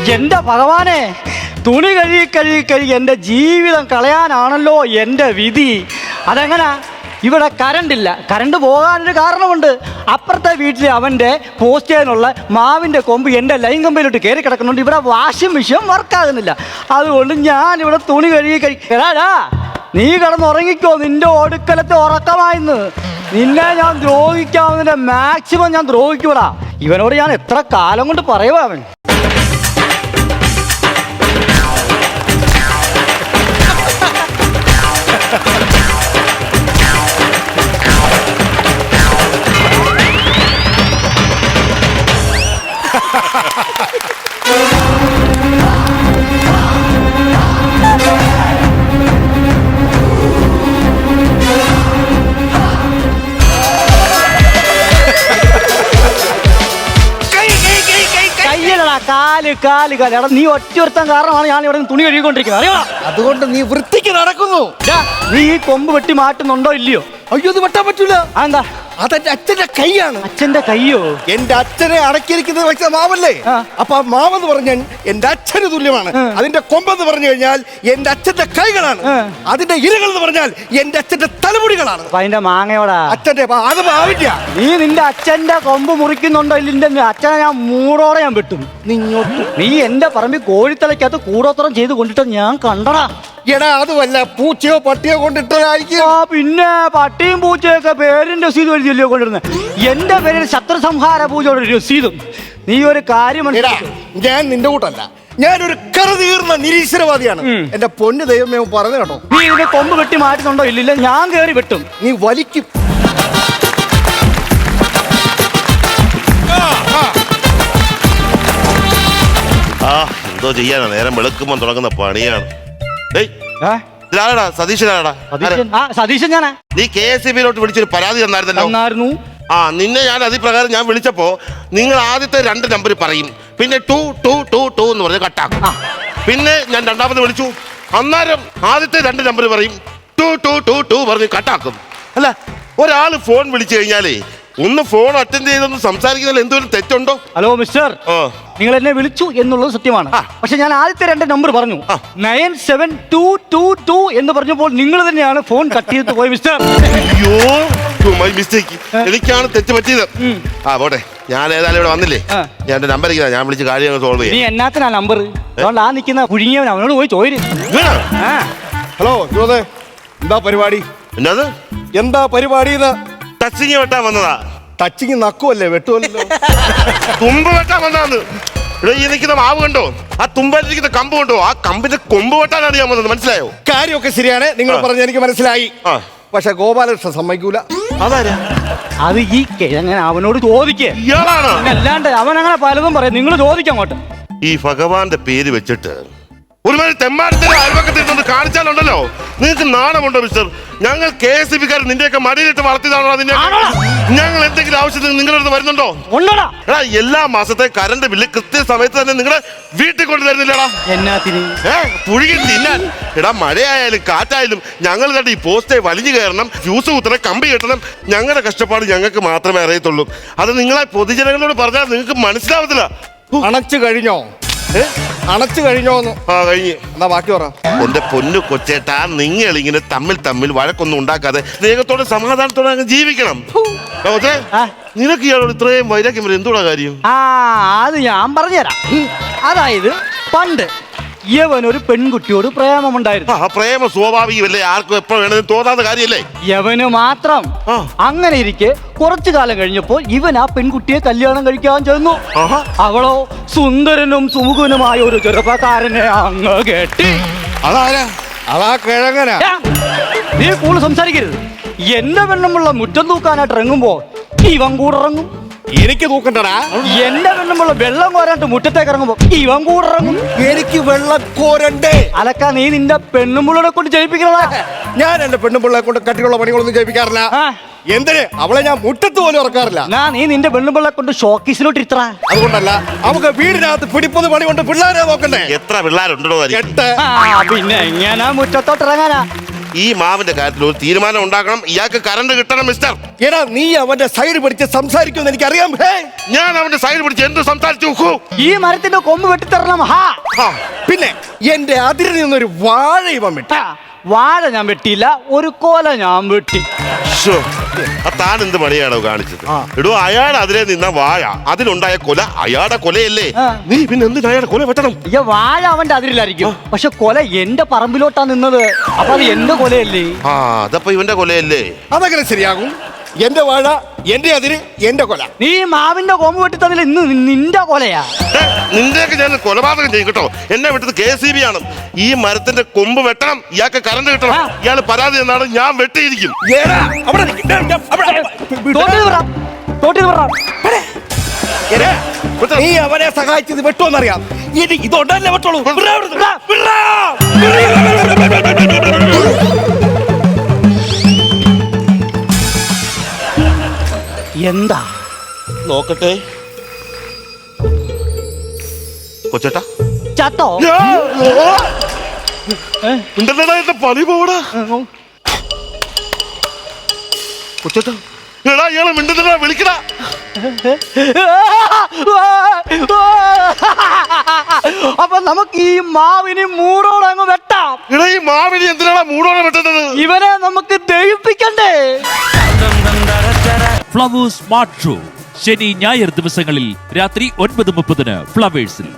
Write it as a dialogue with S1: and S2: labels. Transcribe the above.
S1: എന്റെ ഭഗവാനെ, തുണി കഴുകി എൻ്റെ ജീവിതം കളയാനാണല്ലോ എൻ്റെ വിധി. അതെങ്ങനാ? ഇവിടെ കറണ്ടില്ല. കറണ്ട് പോകാനൊരു കാരണമുണ്ട്. അപ്പുറത്തെ വീട്ടിൽ അവൻ്റെ പോസ്റ്റ് ചെയ്യാനുള്ള മാവിൻ്റെ കൊമ്പ് എൻ്റെ ലൈൻ കമ്പിലോട്ട് കയറി കിടക്കുന്നുണ്ട്. ഇവിടെ വാഷിംഗ് മെഷീൻ വർക്കാകുന്നില്ല. അതുകൊണ്ട് ഞാനിവിടെ തുണി കഴുകി എടാ, നീ കിടന്നുറങ്ങിക്കോ. നിന്റെ ഒടുക്കലത്തെ ഉറക്കമായിന്ന്. നിന്നെ ഞാൻ ദ്രോഹിക്കാവുന്നതിൻ്റെ മാക്സിമം ഞാൻ ദ്രോഹിക്കൂടാ. ഇവനോട് ഞാൻ എത്ര കാലം കൊണ്ട് പറയുവാ അവൻ. കാല് എടാ, നീ ഒറ്റൊരുത്തൻ കാരണമാണ് ഞാൻ ഇവിടെ തുണി കഴുകിക്കൊണ്ടിരിക്കുന്നത്, അറിയോ?
S2: അതുകൊണ്ട് നീ വൃത്തിക്ക് നടക്കുന്നു.
S1: നീ ഈ കൊമ്പ് വെട്ടി മാറ്റുന്നുണ്ടോ ഇല്ലയോ?
S2: അയ്യോ, ഇത് വെട്ടാൻ പറ്റൂല.
S1: എന്താ?
S2: അതെന്റെ അച്ഛന്റെ കൈയാണ്.
S1: അച്ഛന്റെ കയ്യോ?
S2: എന്റെ അച്ഛനെ അടക്കിയിരിക്കുന്നത് വെച്ച മാവല്ലേ? അപ്പൊ ആ മാവെന്ന് പറഞ്ഞാൽ എന്റെ അച്ഛന് തുല്യമാണ്. അതിന്റെ കൊമ്പെന്ന് പറഞ്ഞു കഴിഞ്ഞാൽ എന്റെ അച്ഛന്റെ കൈകളാണ്. അതിന്റെ ഇരകൾ എന്ന് പറഞ്ഞാൽ എന്റെ അച്ഛന്റെ തലമുടികളാണ്.
S1: അതിന്റെ മാങ്ങയോടാ
S2: അച്ഛന്റെ അത് ആവില്ല.
S1: നീ നിന്റെ അച്ഛന്റെ കൊമ്പ് മുറിക്കുന്നുണ്ടോ ഇല്ല? അച്ഛനെ ഞാൻ മൂടോടെ ഞാൻ വെട്ടും. നീ എന്റെ പറമ്പിൽ കോഴിത്തലയ്ക്കകത്ത് കൂടോത്രം ചെയ്ത് കൊണ്ടിട്ട് ഞാൻ കണ്ടടാ.
S2: എടാ, അതുമല്ല, പൂച്ചയോ പട്ടിയോ കൊണ്ടിട്ടായിരിക്കും.
S1: പിന്നെ പട്ടിയും പൂച്ചയൊക്കെ പേരിന്റെ രസീത് എഴുതിയല്ലോ കൊണ്ടിരുന്നത്. എന്റെ പേരിൽ ശത്രു സംഹാര പൂജയുടെ രസീതും. നീ ഒരു കാര്യം
S2: ഞാൻ നിന്റെ കൂട്ടല്ല, ഞാനൊരു കറുതീർന്ന നിരീശ്വരവാദിയാണ്. എന്റെ പൊന്നു ദൈവമേ പറഞ്ഞു കേട്ടോ.
S1: നീ ഇതിന്റെ കൊമ്പ് വെട്ടി മാറ്റുന്നുണ്ടോ ഇല്ലില്ല? ഞാൻ കയറി വെട്ടും.
S2: നീ വലിക്കും.
S3: എന്തോ ചെയ്യാനാ, നേരം വെളുക്കുമ്പോൾ തുടങ്ങുന്ന പണിയാണ്.
S1: സതീശൻ ഞാനാ.
S3: നീ KSEBിലോട്ട് വിളിച്ചൊരു പരാതി തന്നായിരുന്നല്ലോ. നിന്നെ ഞാൻ അതിപ്രകാരം ഞാൻ വിളിച്ചപ്പോ നിങ്ങൾ ആദ്യത്തെ 2 നമ്പർ പറയും, പിന്നെ 2 എന്ന് പറഞ്ഞ് കട്ടാക്കും. പിന്നെ ഞാൻ രണ്ടാമത് വിളിച്ചു, അന്നേരം ആദ്യത്തെ 2 നമ്പർ പറയും, 2 പറഞ്ഞ് കട്ടാക്കും. അല്ല, ഒരാൾ ഫോൺ വിളിച്ചു കഴിഞ്ഞാലേ ഒന്ന് ഫോൺ അറ്റൻഡ് ചെയ്തൊന്ന് സംസാരിക്കുന്നതിൽ എന്തെങ്കിലും തെറ്റുണ്ടോ?
S1: ഹലോ മിസ്റ്റർ, നിങ്ങൾ എന്നെ വിളിച്ചു എന്നുള്ളത് സത്യമാണ്. പക്ഷെ ഞാൻ ആദ്യത്തെ 2 നമ്പർ പറഞ്ഞു, 97222 എന്ന് പറഞ്ഞപ്പോൾ നിങ്ങൾ തന്നെയാണ് ഫോൺ കട്ട് ചെയ്ത് പോയി മിസ്റ്റർ.
S3: അയ്യോ, മൈ മിസ്റ്റേക്ക്. എനിക്കാണ് തെറ്റ് പറ്റിയത്. പോട്ടെ, ഞാൻ ഏതായാലും ഇവിടെ വന്നില്ലേ, ഞാൻ എന്റെ നമ്പർ ഞാൻ വിളിച്ച് കാര്യങ്ങൾ സോൾവ് ചെയ്യാം.
S1: നീ എന്നാത്തിനാ നമ്പർ? അതുകൊണ്ട് ആ നിൽക്കുന്ന കുഴുങ്ങിയവൻ അവനോട് പോയി ചോദിച്ചു.
S2: ഹലോ ജോസേ, എന്താ പരിപാടി? എന്താ പരിപാടി?
S3: ടച്ചിങ് വെട്ടാൻ വന്നതാ.
S2: ടച്ചിങ് നക്കുമല്ലേ, വെട്ടുമല്ലോ.
S3: തുമ്പ് വെട്ടാൻ വന്നതാന്ന്. ഇവിടെ ഈ നിൽക്കുന്ന മാവ് കണ്ടോ? ആ തുമ്പായിരിക്കുന്ന കമ്പ് കണ്ടോ? ആ കമ്പിന്റെ കൊമ്പ് വെട്ടാനാണ് ഞാൻ വന്നത്. മനസ്സിലായോ?
S2: കാര്യമൊക്കെ ശരിയാണ്, നിങ്ങൾ പറഞ്ഞ എനിക്ക് മനസ്സിലായി. പക്ഷെ ഗോപാലകൃഷ്ണൻ സമ്മതിക്കൂല.
S3: അതാരാ?
S1: അത് ഈ കിഴങ്ങനെ അവനോട് ചോദിക്കേ.
S3: ഇയാളാണ്.
S1: അല്ലാണ്ട് അവൻ അങ്ങനെ പലതും പറയും. നിങ്ങൾ ചോദിക്കാം അങ്ങോട്ട്.
S3: ഈ ഭഗവാന്റെ പേര് വെച്ചിട്ട് ഒരുമാതിരി തെമ്മാരത്തിന്റെ അയൽവക്കത്തിൽ കാണിച്ചാലുണ്ടല്ലോ, നിങ്ങൾക്ക് നാണമുണ്ടോ മിസ്റ്റർ? ഞങ്ങൾ KSEBക്കാർ നിന്റെയൊക്കെ മടിയിലിട്ട് വളർത്തിയതാണോ? അതിന്റെ ഞങ്ങൾ എന്തെങ്കിലും ആവശ്യത്തിന് നിങ്ങളുടെ അടുത്ത് വരുന്നുണ്ടോ? എടാ, എല്ലാ മാസത്തെ കറണ്ട് ബില്ല് കൃത്യസമയത്ത് തന്നെ നിങ്ങളുടെ വീട്ടിൽ കൊണ്ട് തരുന്നില്ലടാ. പുഴുകി തിന്നാൻ. എടാ, മഴയായാലും കാറ്റായാലും ഞങ്ങൾ കണ്ട് ഈ പോസ്റ്റേ വലിഞ്ഞു കയറണം, ഫ്യൂസ് കുത്തണം, കമ്പി കെട്ടണം. ഞങ്ങളുടെ കഷ്ടപ്പാട് ഞങ്ങൾക്ക് മാത്രമേ അറിയത്തുള്ളൂ. അത് നിങ്ങളെ പൊതുജനങ്ങളോട് പറഞ്ഞാൽ നിങ്ങൾക്ക് മനസ്സിലാവത്തില്ല.
S2: അണച്ചു കഴിഞ്ഞോ? അണച്ചു കഴിഞ്ഞോന്ന്?
S3: കഴിഞ്ഞ്.
S2: എന്നാ ബാക്കി പറ.
S3: എന്റെ പൊന്നു കൊച്ചേട്ടാ, നിങ്ങൾ ഇങ്ങനെ തമ്മിൽ വഴക്കൊന്നും ഉണ്ടാക്കാതെ സ്നേഹത്തോടെ സമാധാനത്തോടെ അങ്ങ് ജീവിക്കണം. നിനക്ക് ഇയാളോട് ഇത്രയും വൈരാഗ്യം വരെ എന്തുകൂടാ കാര്യം?
S1: അത് ഞാൻ പറഞ്ഞുതരാം. അതായത് പണ്ട് യവനൊരു പെൺകുട്ടിയോട് പ്രേമമുണ്ടായിരുന്നു.
S3: പ്രേമ സ്വാഭാവികമല്ലേ, ആർക്കും എപ്പോ വേണമെങ്കിലും തോന്നാത്ത കാര്യമല്ലേ?
S1: യവന് മാത്രം. അങ്ങനെ ഇരിക്കെ കുറച്ചു കാലം കഴിഞ്ഞപ്പോൾ ഇവൻ ആ പെൺകുട്ടിയെ കല്യാണം കഴിക്കാൻ ചെന്നു. അവളോ സുന്ദരനും സുമുഖനുമായ ഒരു ചെറുപ്പക്കാരനെ അങ്ങ് കെട്ടി.
S2: അതാരാ? അതാ കിഴങ്ങനാ.
S1: നീ കൂടുതൽ സംസാരിക്കരുത്. എന്റെ പെണ്ണുമുള്ള മുറ്റം തൂക്കാനായിട്ട് ഇറങ്ങുമ്പോ ഇവൻ കൂടെ ഇറങ്ങും.
S2: എനിക്ക് തൂക്കണ്ടടാ.
S1: എന്റെ പെണ്ണുമുള്ള വെള്ളം കോരാണ്ട് മുറ്റത്തേക്ക് ഇറങ്ങുമ്പോ ഇവൻ കൂടെ ഇറങ്ങും.
S2: എനിക്ക് വെള്ളം കോരണ്ടേ?
S1: അലക്ക, നീ നിന്റെ പെണ്ണുമുള്ളനെ കൊണ്ട് ജയിപ്പിക്കണതാ.
S2: ഞാൻ എന്റെ പെണ്ണുപിള്ളയെ കൊണ്ട് കട്ടിയുള്ള പണികളൊന്നും ജയിപ്പിക്കാറില്ല. എന്തിന്? അവളെ ഞാൻ മുറ്റത്ത് പോലും ഇറക്കാറില്ല.
S1: നീ നിന്റെ പെണ്ണുപിള്ളെ കൊണ്ട് ഷോക്കീസിലോട്ട് ഇത്ര.
S2: അതുകൊണ്ടല്ല, നമുക്ക് വീടിനകത്ത് പിടിപ്പത് പണി കൊണ്ട് പിള്ളേരെ നോക്കണ്ടേ?
S3: എത്ര പിള്ളേരുണ്ടോ?
S2: 8.
S1: പിന്നെ എങ്ങനാ മുറ്റത്തോട്ട് ഇറങ്ങാനാ?
S3: ഈ മാവിന്റെ കാര്യത്തിൽ ഒരു തീരുമാനം ഉണ്ടാക്കണം. ഇയാൾക്ക് കറണ്ട് കിട്ടണം മിസ്റ്റർ.
S2: എടാ നീ അവന്റെ സൈഡ് പിടിച്ച് സംസാരിക്കുമെന്ന് എനിക്കറിയാം.
S3: ഞാൻ അവന്റെ സൈഡ് പിടിച്ച് എന്ത് സംസാരിച്ചു നോക്കൂ.
S1: ഈ മരത്തിന്റെ കൊമ്പ് വെട്ടിത്തരണം. ഹാ
S2: പിന്നെ എന്റെ അതിരിൽ നിന്നൊരു വാഴ ഇവൻ വിട്ടു.
S1: വാഴ ഞാൻ വെട്ടിയില്ല, ഒരു കോല ഞാൻ വെട്ടി.
S3: താൻ എന്ത് പണിയാണോ കാണിച്ചത്? എടോ, അയാൾ അതിലെ നിന്ന വാഴ, അതിലുണ്ടായ കൊല അയാളുടെ കൊലയല്ലേ? നീ പിന്നെ എന്തിനാ അയാളുടെ കൊല വെട്ടണം?
S1: ഈ വാഴ അവന്റെ അതിരിലായിരിക്കും, പക്ഷെ കൊല എന്റെ പറമ്പിലോട്ടാ നിന്നത്. അപ്പൊ അത് എന്റെ കൊലയല്ലേ?
S3: അതപ്പോ ഇവന്റെ കൊലയല്ലേ?
S2: അതങ്ങനെ ശരിയാകും. എന്റെ വാഴ, എന്റെ അതിര്, എന്റെ കൊല.
S1: നീ മാവിന്റെ കൊമ്പ് വെട്ടി തന്നില്ല, ഇന്ന് നിന്റെ കൊലയാ.
S3: നിന്റെയൊക്കെ ഞാൻ കൊലപാതകം ചെയ്യും കേട്ടോ. എന്നെ വിട്ടത് KCB ആണ്. ഈ മരത്തിന്റെ കൊമ്പ് വെട്ടണം, ഇയാൾക്ക് കറണ്ട് കിട്ടണം. ഇയാൾ പരാതി എന്നാണ്, ഞാൻ വെട്ടിയിരിക്കും.
S2: നീ അവനെ സഹായിച്ചത് വെട്ടുമെന്നറിയാം. ഇനി ഇതൊണ്ടല്ലേ വെട്ടോളൂ.
S1: എന്താ
S3: നോക്കട്ടെ കൊച്ചേട്ടാ.
S1: ചത്തോ?
S3: ഉണ്ടല്ലടാ, എന്റെ പണി പോടാ കൊച്ചേട്ടാ. എടാ, ഇയാളെ മിണ്ടുന്നടാ, വിളിക്കടാ.
S1: അപ്പൊ നമുക്ക് ഈ മാവിന് മൂടോടെ അങ്ങ് വെട്ടാം.
S3: എടാ, ഈ മാവിനി എന്തിനാണ് മൂടോടെ വെട്ടുന്നത്?
S1: ഇവനെ നമുക്ക് ദഹിപ്പിക്കണ്ടേ?
S4: ഫ്ലവേഴ്സ് സ്മാർട്ട് ഷോ ശനി ഞായർ ദിവസങ്ങളിൽ രാത്രി 9:30 ഫ്ലവേഴ്സിൽ.